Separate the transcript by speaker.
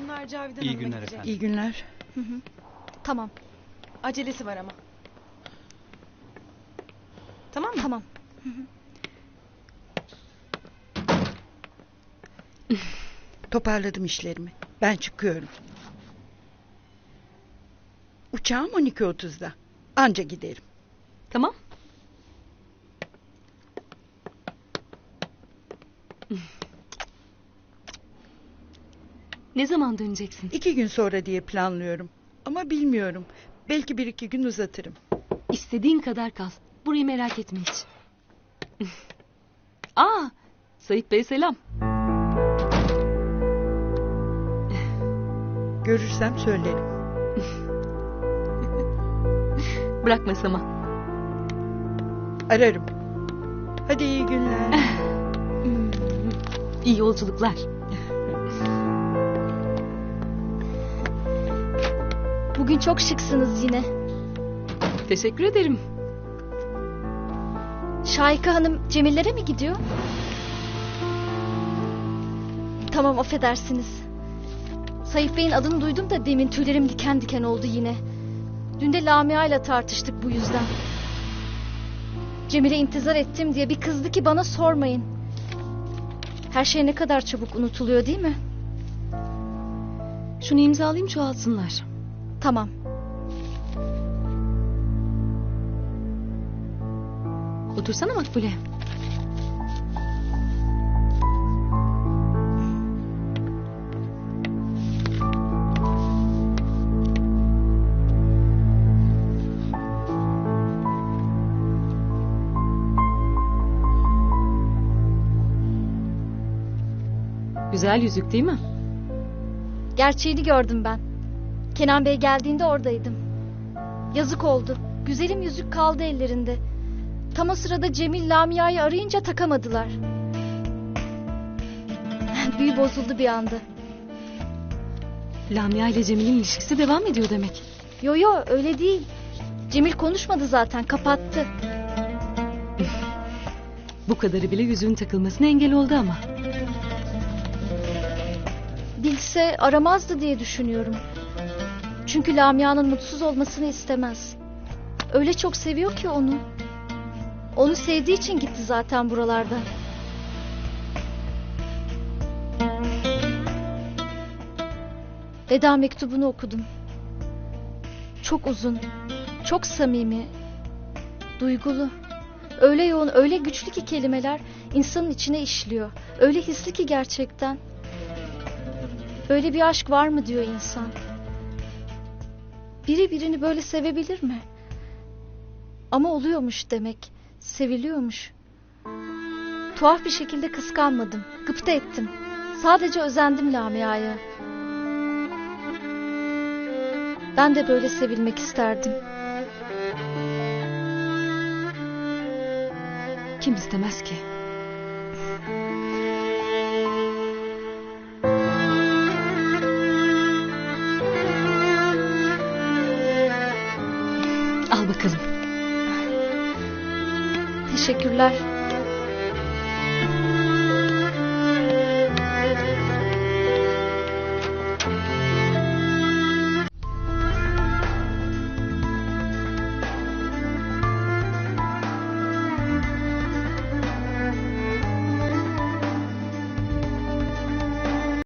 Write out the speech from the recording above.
Speaker 1: Bunlar Cavidan
Speaker 2: İyi
Speaker 1: Hanım'a
Speaker 2: günler
Speaker 1: gidecek.
Speaker 2: efendim.
Speaker 3: İyi günler.
Speaker 4: Tamam,
Speaker 1: Acelesi var ama. Tamam mı?
Speaker 4: tamam.
Speaker 3: Toparladım işlerimi. Ben çıkıyorum. Uçağım 12.30'da. Anca giderim.
Speaker 5: Tamam. Ne zaman döneceksin?
Speaker 3: 2 gün sonra diye planlıyorum. Ama bilmiyorum. Belki 1-2 gün uzatırım.
Speaker 5: İstediğin kadar kal. Burayı merak etme hiç. Aa, Sait Bey selam.
Speaker 3: Görürsem söylerim.
Speaker 5: Bırak masama.
Speaker 3: Ararım. Hadi iyi günler.
Speaker 5: İyi yolculuklar.
Speaker 4: Bugün çok şıksınız yine.
Speaker 5: Teşekkür ederim.
Speaker 4: Şahika Hanım Cemillere mi gidiyor? Tamam, affedersiniz. Sait Bey'in adını duydum da demin tüylerim diken diken oldu yine. Dün de Lamia ile tartıştık bu yüzden. Cemile intizar ettim diye bir kızdı ki bana sormayın. Her şey ne kadar çabuk unutuluyor değil mi?
Speaker 5: Şunu imzalayayım, çoğalsınlar.
Speaker 4: Tamam.
Speaker 5: Otursana Makbule. Güzel yüzük değil mi?
Speaker 4: Gerçeğini gördüm ben. Kenan Bey geldiğinde oradaydım. Yazık oldu. Güzelim yüzük kaldı ellerinde. Tam o sırada Cemil Lamia'yı arayınca takamadılar. Büyü bozuldu bir anda.
Speaker 5: Lamia ile Cemil'in ilişkisi devam ediyor demek.
Speaker 4: Yo yo, öyle değil. Cemil konuşmadı zaten, kapattı.
Speaker 5: Bu kadarı bile yüzüğün takılmasına engel oldu ama.
Speaker 4: Bilse aramazdı diye düşünüyorum. Çünkü Lamia'nın mutsuz olmasını istemez. Öyle çok seviyor ki onu. Onu sevdiği için gitti zaten buralarda. Veda mektubunu okudum. Çok uzun, çok samimi, duygulu. Öyle yoğun, öyle güçlü ki kelimeler insanın içine işliyor. Öyle hisli ki gerçekten. Böyle bir aşk var mı diyor insan. Biri birini böyle sevebilir mi? Ama oluyormuş demek. Seviliyormuş. Tuhaf bir şekilde kıskanmadım. Gıpta ettim. Sadece özendim Lamia'ya. Ben de böyle sevilmek isterdim.
Speaker 5: Kim istemez ki? Al bakalım.
Speaker 4: Teşekkürler.